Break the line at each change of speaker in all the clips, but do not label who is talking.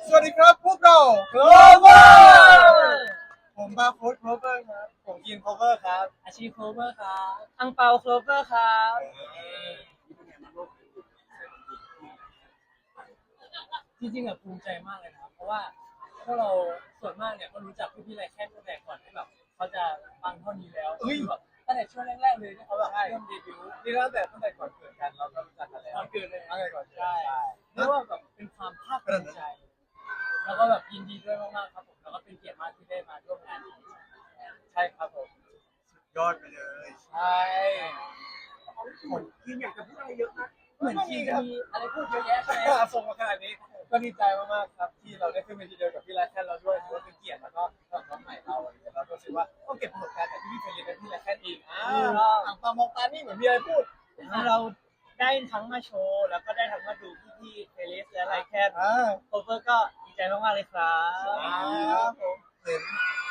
สวัสดีครับพวกเรา Clover ผมบาร์โค้ด Clover ครับผมกิน Clover ครับ
อาชีพโคเวอร์ครับอังเปาโคเวอร์ครับจริงๆแบบภูมิใจมากเลยนะครับเพราะว่าพวกเราส่วนมากเนี่ยก็รู้จักพี่ๆไรแค่ตั้งแต่ก่อนที่แบบเขาจะฟังเท่านี้แล้วแบบตั้งแต่ช่วงแรกๆเลยที่เขาแบบเริ่มเดบิวต์
นี่ตั้งแต่ก่อนเกิดกันเราก็รู้จักกันแล้ว
ตอนเกิดเลย
ตั้งแต่ก่อนเกิด
ใช่เรียกว่าแบบเป็นความภาคภูมิใจแล้วก็แบบยินดีด้วยมากๆครับผมแล้วก็เป็นเกียรติมากที่ได้มาร่วมงานนี้ใช่ครับผม
ยอดไปเลย
ใช่
คนที่อยากจะพูดอะไรเยอะนะ
เหมือนทีมีอะไรพูดเยอะแยะใช่ไหม
ส่งมาขนาดนี้ก็ดีใจมากๆครับที่เราได้ขึ้นเวทีเดียวกับพี่ไรแค่เราด้วยถือว่าเป็นเกียรติแล้วก็น้องใหม่เราอะไรอย่างเงี้ยเราก็รู้สึกว่าต้องเก็บประสบการณ์จากที่พี่เคยเรียนกับพี่ไรแค่อีกอ่างปามองตานี่เหมือนมีอะไรพูด
เราได้ทั้งมาโชว์แล้วก็ได้ทั้งมาดูพี่ๆเฟลิสและไลแคนโคเวอร์ก็ดีใจมากๆเลยครับ
ผมเห็น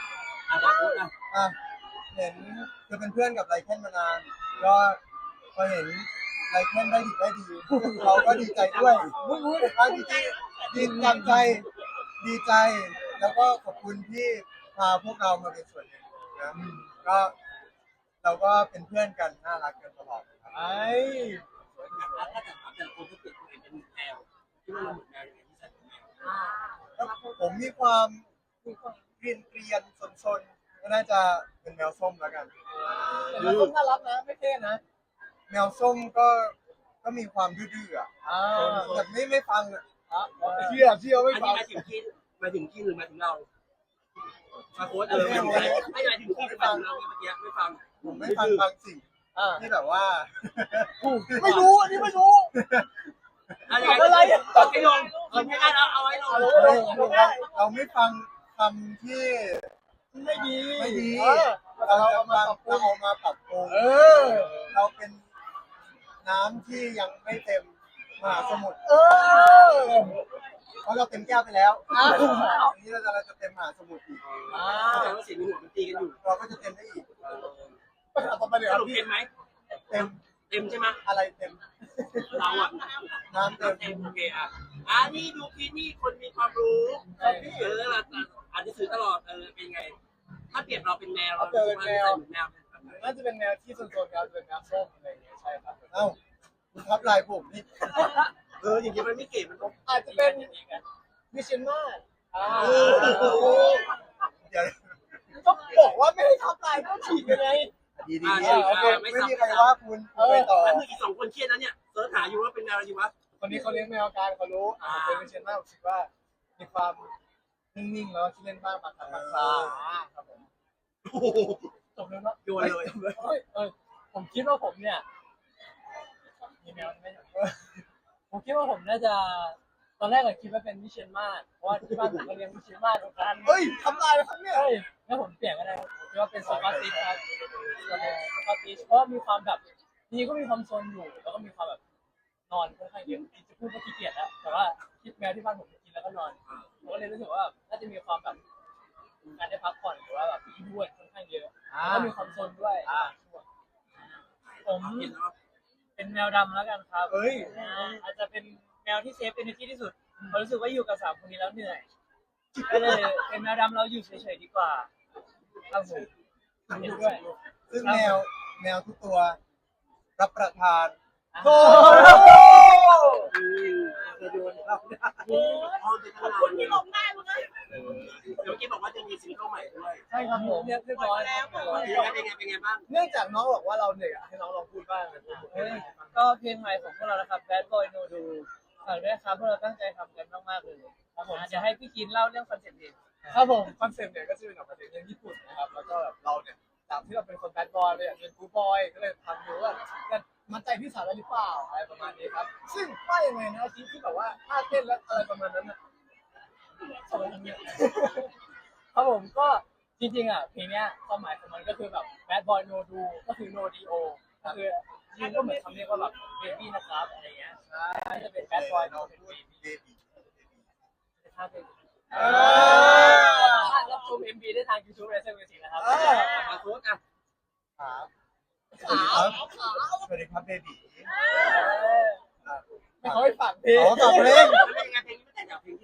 เห็นคือเป็นเพื่อนกับไรแคนมานานก็พอเห็นไรแคนได้ดีเราก็ดีใจด้วยดีใจดีใจแล้วก็ขอบคุณที่พาพวกเรามาเป็นส่วนหนึ่งนะก็เราก็เป็นเพื่อนกันน่ารักกันตลอดไอ้
ถ้าจะถามแต่ละคนที่เปลี่ยนตัวเองเป็นแมวที่ว่าเราเหมือนแมวยังไงที่ใส่เป็นแมว
ผมมีความเกรียนซนก็น่าจะเป็นแมวส้มแล้วกันแมวส้มน่ารักนะไม่เท่นะแมวส้มก็มีความดื้อๆแบบไม่ฟังเชื่อไม่ฟัง
หมายถึงที่หรือหมายถึงเรามาโค้ดไม่หมายถึงที่ไม่ฟังเราเมื่อกี้ไม่ฟัง
ผมไม่ฟังบางสิ่งที่แบบว่าไม่รู้อันนี้ไม่รู้
อะไรตัดให้ลงไม่ได้แล้วเอาไว้ลง
เราไม่ฟังคำที่ไม่ดีเราเอามาปรับปรุงเราเป็นน้ำที่ยังไม่เต็มมหาสมุทรเพราะเราเต็มแก้วไปแล้วอันนี้เราจะเต็มมหาสมุทรอีก
แสดงว่าเสียงในหัวมันตีกันอยู่
เราก็จะเต็มได้อีก
สรุปเต็มไหม
เต็ม
ใช่ไหม
อะไรเต็ม
เราอ่ะ
น้ำเต็ม
โอเคนี่ดูพี่นี่คนมีความรู้อ่านหนังสือตลอดเป็นไงถ้าเปรียบเราเป็นแมวเราจะเป็นแมว
น่าจะเป็นแมวที่โซนๆครับเป็นแมวส้มอะไรอย่างเงี้ยใช่ครับเอ้าคุณทับลายผมนี่
อย่างนี้มันไม่เก๋มัน
อาจจะเป็นมิชชันมาเดี๋ยวก็บอกว่าไม่ให้ทับลายก็ฉีกยังไงดีโอเคไม่มีใครว่าคุณไปต่อ
แล้วมีอีก2คนเครียดแล้วเนี่ยเสิร์ชหาอยู่ว่าเป็นแมวอะไรอยู่วะ
คนนี้เขาเลี้ยงแมวการเขารู้เป็นมิชชันมาผมคิดว่ามีความนิ่งๆแล้วที่เล่นบ้างบางครั้งบางคราวครับผมจบเลยเนาะ
โยนเลย
ผมคิดว่าผมเนี่ยมีแมวไม่ใช่ผมคิดว่าผมน่าจะตอนแรกคิดว่าเป็นมิเชนมาสเพราะว่าที่บ้านผมก็เลี้ยงมิเชนมาสเหมือนกัน
ทำลายแล้วครับเนี่ย
แล้วผมเปลี่ยนก็ได้ผมคิดว่าเป็นสกอตติชครับสกอตติชเพราะมีความแบบจริงก็มีความโซนอยู่แล้วก็มีความแบบนอนค่อนข้างเยอะจะพูดว่าขี้เกียจแล้วแต่ว่าคิดแมวที่บ้านผมกินแล้วก็นอนผมก็เลยรู้สึกว่าน่าจะมีความแบบการได้พักผ่อนหรือว่าแบบที่ด้วยค่อนข้างเยอะแล้วก็มีความโซนด้วยผมเป็นแมวดำแล้วกันครับอาจจะเป็นแมวที่เซฟเอเนอร์จีที่สุดผมรู้สึกว่าอยู่กับ3คนนี้แล้วเหนื่อยก็เลยเป็นแมวดำเราอยู่เฉยๆดีกว่าครับผมเห็นด้วย
ซึ่งแมวทุกตัวรับประทาน
จะโดนครับขอบคุณที่ลงได้มึงเลยเดี๋ยวกี้บอกว่าจะมีซิงเกิลใหม่ด้วย
ใช่ครับผมเรียบร้อยแล้ว
เป็นไงบ้าง
เนื่องจากน้องบอกว่าเราเหนื่อยให้น้องลองพูดบ้าง
ก็เพลงใหม่ของพวกเรานะครับ Bad Boy No Do ฝากด้วยครับพวกเราตั้งใจทำกันมากๆเลยครับผมจะให้พี่กินเล่าเรื่องคอนเซ็ปต์เพลง
ครับผมคอนเซ็ปต์เนี่ยก็จะเป็นออกมาจากเรื่องญี่ปุ่นนะครับแล้วก็แบบเราเนี่ยจากที่เราเป็นคนแบดบอยเลยอยากเป็นกูบอยก็เลยทำดูว่าจะมัดใจพี่สาวได้หรือเปล่าอะไรประมาณนี้ครับซึ่งว่ายังไงนะที่แบบว่าท่าเต้นและอะไรประมาณนั้น
ครับผมก็จริงๆเพลงเนี้ยความหมายของมันก็คือแบบ Bad Boy No Do ก็คือ No Do ก็คือจริงก็เหมือนคำเรียกว่าแบบ baby นะครับอะไรเงี้ยใช่จะเป็น Bad Boy No Do baby ถ้าเป็นรับชม MV ได้ทาง YouTube Racer Music นะครับ
มาโค้ดอ่ะ
สวัสดีครับเบบี
ไม่เขาให้ฝากเพลง
ฝากเพลง
เป็นไงเพลงนี้ไม่แต่จากเพลงที่แล้วยังไง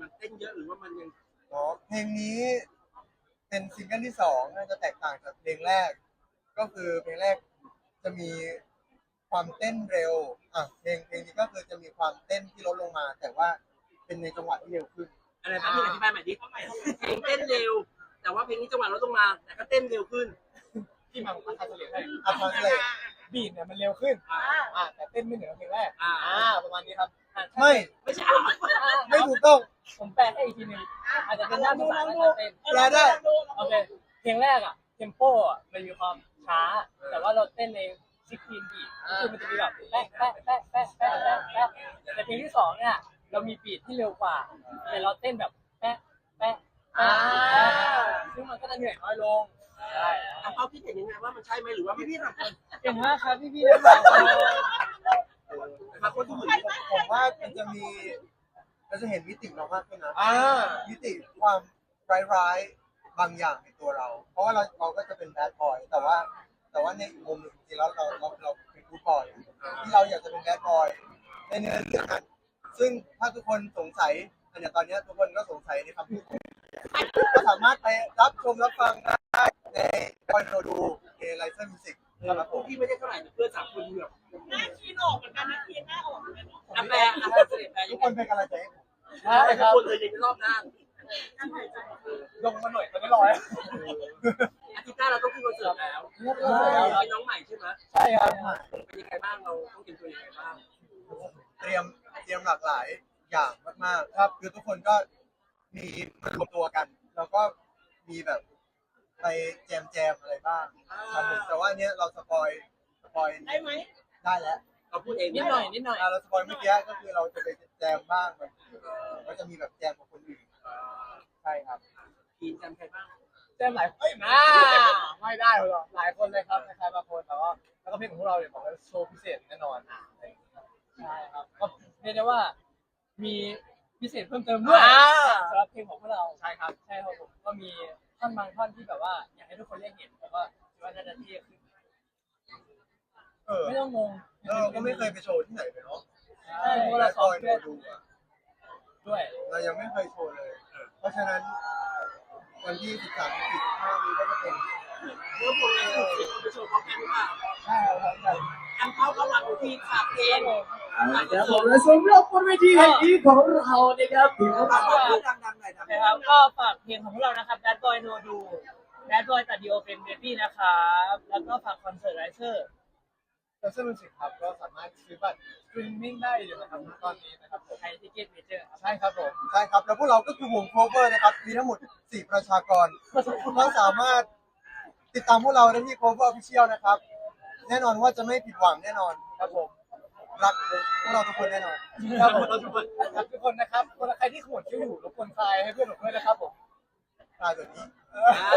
มันเต้นเยอะหรือว่ามันยัง
อ๋อเพลงนี้เป็นซิงเกิลที่สองน่าจะแตกต่างจากเพลงแรก ก็คือเพลงแรกจะมีความเต้นเร็วเพลงนี้ก็คือจะมีความเต้นที่ลดลงมา แต่ว่าเป็นในจังหวะที่เร็วขึ้น
อะไรบ้างที่อธิบายใหม่ดิเพลงเต้นเร็ว แต่ว่าเพลงนี้จังหวะลดลงมาแต่ก็เต้นเร็วขึ้น
ที่มันอัดเฉลี่ยให้
อัพเลย
บีทเนี่ยมันเร็วขึ้นแต่เต้นไม่เหนือเพลงแรกประมาณนี้ครับ
ไม่
ไม่ใช่
ไม่ถูกต้อง
ผมแปลให้อีกทีหนึงอาจจะเป็นด้านภาษาและการเต้น
แปลได้
โอเคเพลงแรกเทมโปมันมีความช้า แต่ว่าเราเต้นใน16 บีทคือมันจะมีแบบแป๊ะแป๊ะแป๊ะแป๊ะแป๊ะแป๊ะแป๊ะแต่เพลงที่สองเนี่ยเรามีบีทที่เร็วกว่าแต่เราเต้นแบบแป๊ะแป๊ะแป๊ะแป๊ะซึ่งมันก็จะเหนื่อยน้อยลงใช่
เขาคิดเห็นยังไงว่ามันใช่ไหมหรือว่าพี่ๆสองคน
เก่งมากครับพี่ๆทั้งสองคน
บางคนที่เหมือน
ผมว่ามันจะเห็นมิติเรามากขึ้นนะมิติความร้ายๆบางอย่างในตัวเรา เพราะว่าเราก็จะเป็นแบดบอยแต่ว่าในอีกมุมหนึ่งจริงๆแล้วเราเป็นกู๊ดบอยที่เราอยากจะเป็นแบดบอยในเนื้อเรื่องนั้นซึ่งถ้าทุกคนสงสัยอย่างตอนนี้ทุกคนก็สงสัยในคำพูดก็สามารถไปรับชมรับฟังได้ในคอนโดดูในไลเซอร์มิวสิกครับผม
พี่ไม่ได้เท่าไหร่เพื่อนสามคนเหงื่อ
หน้าคีนออกเหมือนกันนะคีนหน้าออกเหมือนกัน
อ่ะแปลเสด็จแปล
ทุ
ยั
ก
ง
ค
ไง
นเป็นกำลังใจให้ผม
ใช่ค
ทุก
รับ
คนเลยในรอบด้าน
ลงมาหน่อยตอนนี้รอแล้ว
อาทิตย์หน้าเราต้องขึ้นคอนเสิร์ตแล้วเป็นน้องใหม่ใช่ไหม
ใช่ครับ
เป็นยังไงบ้างเราต้องเตรียมตัวยังไงบ้าง
เตรียมหลากหลายอย่างมากๆครับคือทุกคนก็มีมารวมตัวกัน แล้วก็มีแบบไปแจมอะไรบ้างครับผมแต่ว่าอันเนี้ยเราสปอย
ได้ไหม
ได้แล้ว
เราพูดเอง
นิดหน่อยนิดหน่อย
เราสปอยเมื่อกี้ก็คือเราจะไปแจมบ้างแบบก็จะมีแบบแจมกับคนอื่นใช่ครับ
ทีมจำใครบ้าง
เต้นหลายคนไม่ได้หรอกหลายคนเลยครับใครบางคนแต่ว่าแล้วก็เพลงของพวกเราเนี่ยบอกว่าโชว์พิเศษแน่นอนใช่ครับก็เรียกได้ว่ามีพิเศษเพิ่มเติมด้วยสำหรับเพลงของพวกเราใช่ครับใช่ครับผมก็มีท่อนบางท่อนที่แบบว่าอยากให้ทุกคนได้เห็นแต่ว่าคิดว่าน่าจะเท่ขึ้นไม่ต้องงง
เราก็ไม่เคยไปโชว์ที่ไหนเลยเนาะ
ใช่เพราะเรา
ค
ซ้อม
อย
เพื่อ
ดูอะ
ด้วย
เรายังไม่เคยโชว์เลย เพราะฉะนั้นวันที่13 15นี้ก็จะเป็น
เมื่อพวกเราไปโชว์พร้อมกันหรือเปล่า
ใช่ครับ
อันเข้าระหว่างทีมฝากเพลง
ครับผมและสำหรับบนเวทีแห่งนี้ของเรานะครับถือว่า
ดังๆหน่อยนะ
นะครับก็ฝากเพลงของพวกเรานะครับ Bad Boy No Do Bad Boy ตัดดีโอเป็นเบบี้นะครับแล้วก็ฝากคอนเสิร์ตไรเซอร์คอนเสิร์ตมิวสิกครับก็สามารถซื้อบัตรสตรีมมิ่งได้อยู่นะครับตอนนี้นะครับผมไทยทิเก็ตเมเจอร์ใช่ครับผม
ใช่ครับแล้วพวกเราก็คือวงโคเวอร์นะครับมีทั้งหมด4ประชากรก็สามารถติดตามพวกเราได้ที่ Cover Official นะครับ แน่นอนว่าจะไม่ผิดหวังแน่นอนครับผมรักพวกเราทุกคนแน่นอน
ครับผมรักทุกคนนะครับคนใครที่ขมวดคิ้วอยู่รบกวนคลายให้เพื่อนผมด้วยนะครับผม
ตายแบบนี้
อ่า